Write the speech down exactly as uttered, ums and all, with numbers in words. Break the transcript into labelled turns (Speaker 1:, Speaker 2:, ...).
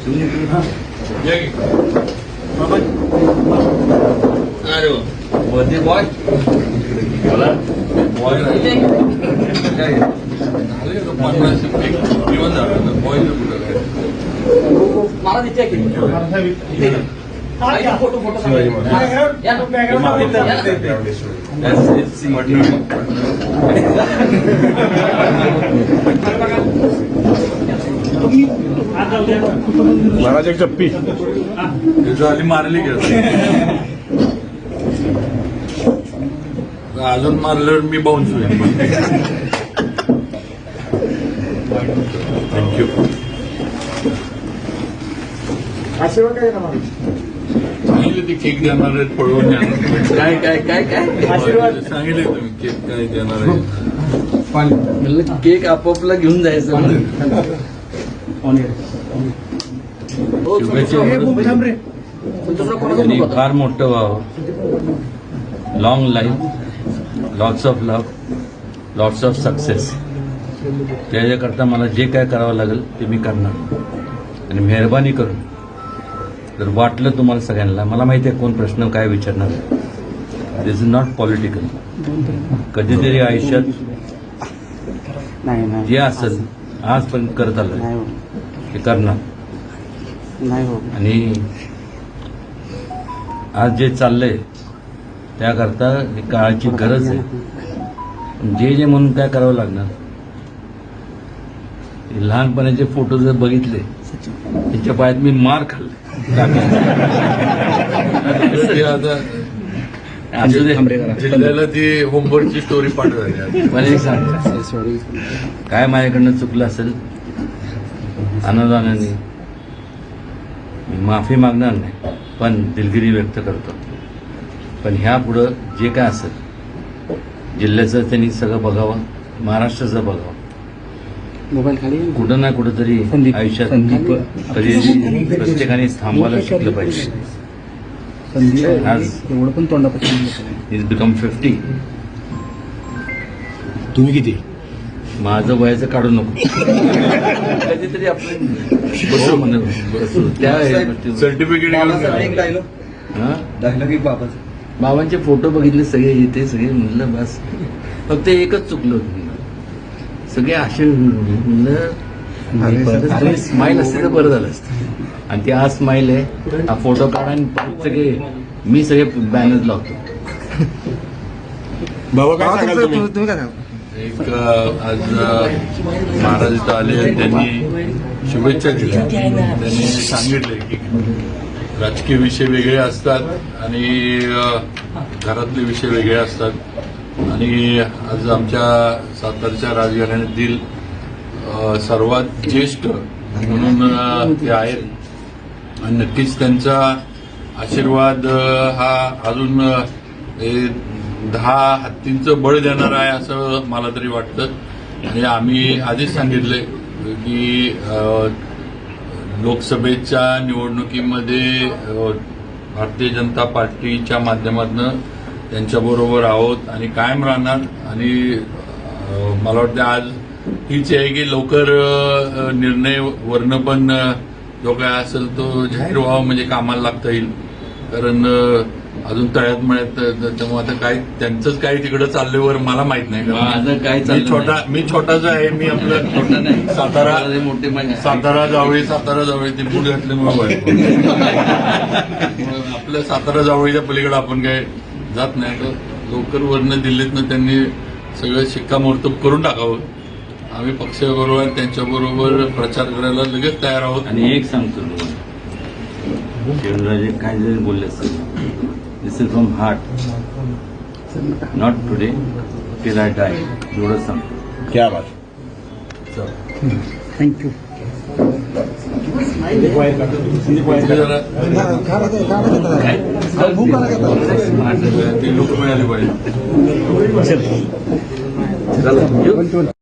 Speaker 1: अरे birthday boy बोला boy काय पन्नास किंवा झालं बॉय कुठं काय
Speaker 2: मला तिथे फोटो फोटो
Speaker 3: महाराज एक चप्पी
Speaker 1: झाली मारली गेली अजून मारल्यावर मी बाउन्स होईल. थँक्यू.
Speaker 3: आशीर्वाद काय ना
Speaker 1: सांगितले ते केक देणार आहेत पळवून देणार
Speaker 2: काय काय काय काय
Speaker 3: आशीर्वाद
Speaker 1: सांगितले तुम्ही केक काय देणार आहे.
Speaker 2: म्हणलं केक आपापला घेऊन जायचं
Speaker 4: आणि फार मोठं व्हावं, long life, lots of love, lots of success. त्याच्याकरता मला जे काय करावं लागेल ते मी करणार. आणि मेहरबानी करून जर वाटलं तुम्हाला सगळ्यांना, मला माहिती आहे कोण प्रश्न काय विचारणार, दिस इज नॉट पॉलिटिकल. कधीतरी आयुष्यात जे असेल आजपर्यंत करत आलं ते करणार. आणि आज जे चाललंय त्याकरता काळाची गरज आहे. जे जे म्हणून काय करावं लागणार. लहानपणाचे फोटो जर बघितले त्यांच्या पायात मी मार खाल्ले.
Speaker 1: जिल्ह्याला ती होमवर्कची स्टोरी पाठवली.
Speaker 4: मला एक सांग, काय माझ्याकडनं चुकलं असेल आनंदाने मी माफी मागणार नाही, पण दिलगिरी व्यक्त करतो. पण ह्या पुढं जे काय असेल जिल्ह्याचं त्यांनी सगळं बघावं, महाराष्ट्राचं बघावं.
Speaker 2: मोबाईल खाली
Speaker 4: कुठं ना कुठं तरी आयुष्यात कधी प्रत्येकाने थांबवायला शिकलं पाहिजे. आज
Speaker 2: एवढं पण तोंडापासून
Speaker 4: इज बिकम फिफ्टी.
Speaker 3: तुम्ही किती
Speaker 4: माझं वयाचं काढू नको. कधीतरी आपण बसू म्हणत बसू त्या
Speaker 1: सर्टिफिकेट
Speaker 4: बाबांचे फोटो बघितले सगळे येते सगळे. म्हणलं बस फक्त एकच चुकलं होतं. सगळे असे म्हणलं स्माईल असते तर बरं झालं असतं. आणि ती आज स्माईल आहे. हा फोटो काढा आणि परत सगळे मी सगळे बॅनर लावतो.
Speaker 3: बाबा काय सांगाल तुम्ही?
Speaker 2: तुम्ही काय
Speaker 1: एक आज महाराज इथं आले, त्यांनी शुभेच्छा दिल्या. त्यांनी सांगितले की राजकीय विषय वेगळे असतात आणि घरातले विषय वेगळे असतात. आणि आज आमच्या सातारच्या राजघराण्यातील सर्वात ज्येष्ठ म्हणून ते आहेत. आणि नक्कीच त्यांचा आशीर्वाद हा अजून दहा हत्तींचं बळ देणार आहे असं मला तरी वाटतं. आणि आम्ही आधीच सांगितलंय की लोकसभेच्या निवडणुकीमध्ये भारतीय जनता पार्टीच्या माध्यमातून त्यांच्याबरोबर आहोत आणि कायम राहणार. आणि मला वाटतं आज हीच आहे की लवकर निर्णय वरनं पण जो काय असेल तो जाहीर व्हावा, म्हणजे कामाला लागता येईल. कारण अजून तळ्यात मळ्यात त्यामुळे आता काय त्यांचंच काय तिकडं चालल्यावर मला माहित नाही.
Speaker 4: माझं काय
Speaker 1: मी छोटा मी छोटाच आहे. मी आपलं
Speaker 4: छोटा नाही,
Speaker 1: सातारा
Speaker 4: मोठे
Speaker 1: सातारा जावळी सातारा जावळी ते बूट घातल्यामुळे आपल्या सातारा जावळीच्या पलीकडे आपण काय जात नाही. तर लवकर वरनं दिल्लीतनं त्यांनी सगळं शिक्कामोर्तब करून टाकावं. आम्ही पक्षाबरोबर त्यांच्याबरोबर प्रचार करायला लगेच तयार आहोत.
Speaker 4: आणि एक सांगतो तुम्हाला, शिवराजे काय जरी बोलले असतील, this is from heart, not today till I die. एवढंच सांगतो.
Speaker 3: क्या बात.
Speaker 2: थँक्यू.
Speaker 1: ती लोक मिळाली पाहिजे.
Speaker 4: चला